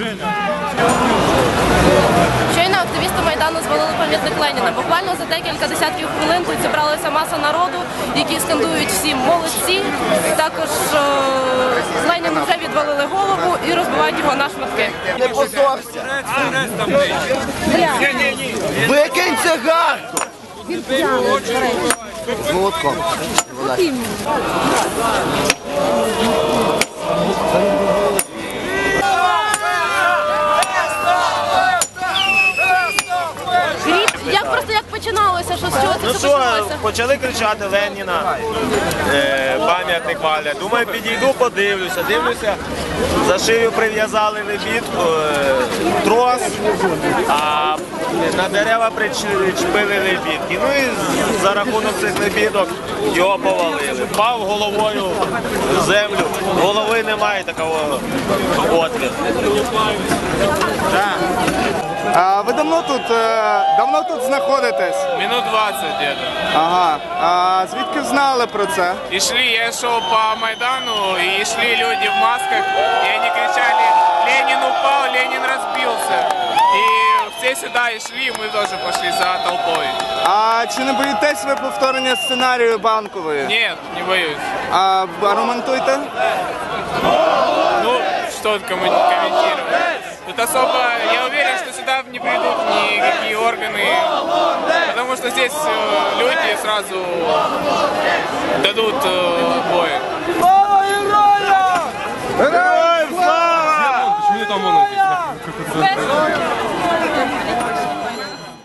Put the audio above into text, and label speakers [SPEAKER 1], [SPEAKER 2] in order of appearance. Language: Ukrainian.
[SPEAKER 1] Щойно активісти Майдану звалили пам'ятник Леніна. Буквально за декілька десятків хвилин тут зібралася маса народу, які скандують всі молодці. Також Леніну вже відвалили голову і розбивають його на шматки.
[SPEAKER 2] Не позорся! Викинь цигарку! З молотком.
[SPEAKER 1] Як починалося? Що, з чого це все почалося?
[SPEAKER 3] Почали кричати Леніна, пам'ятник валять. Думаю, підійду, подивлюся. Дивлюся, за шию прив'язали лебідку, трос, а на дерева причепили лебідки. Ну і за рахунок цих лебідок його повалили. Впав головою в землю, голови немає такого отвіру.
[SPEAKER 4] А ви давно тут знаходитесь?
[SPEAKER 5] Минут 20 где-то.
[SPEAKER 4] Ага. А звідки знали про це?
[SPEAKER 5] И шли, я шел по Майдану, и шли люди в масках, и они кричали: «Ленин упал, Ленин разбился». И все сюда и шли, мы тоже пошли за толпой.
[SPEAKER 4] А чи не боїтесь ви повторення сценарію Банкової?
[SPEAKER 5] Нет, не боюсь.
[SPEAKER 4] А аргументуйте?
[SPEAKER 5] Ну, что тут комментировать? Тут особо, я уверен, что сюда не придут никакие органы, потому что здесь люди сразу дадут бой.
[SPEAKER 4] Героям слава!
[SPEAKER 5] Почему там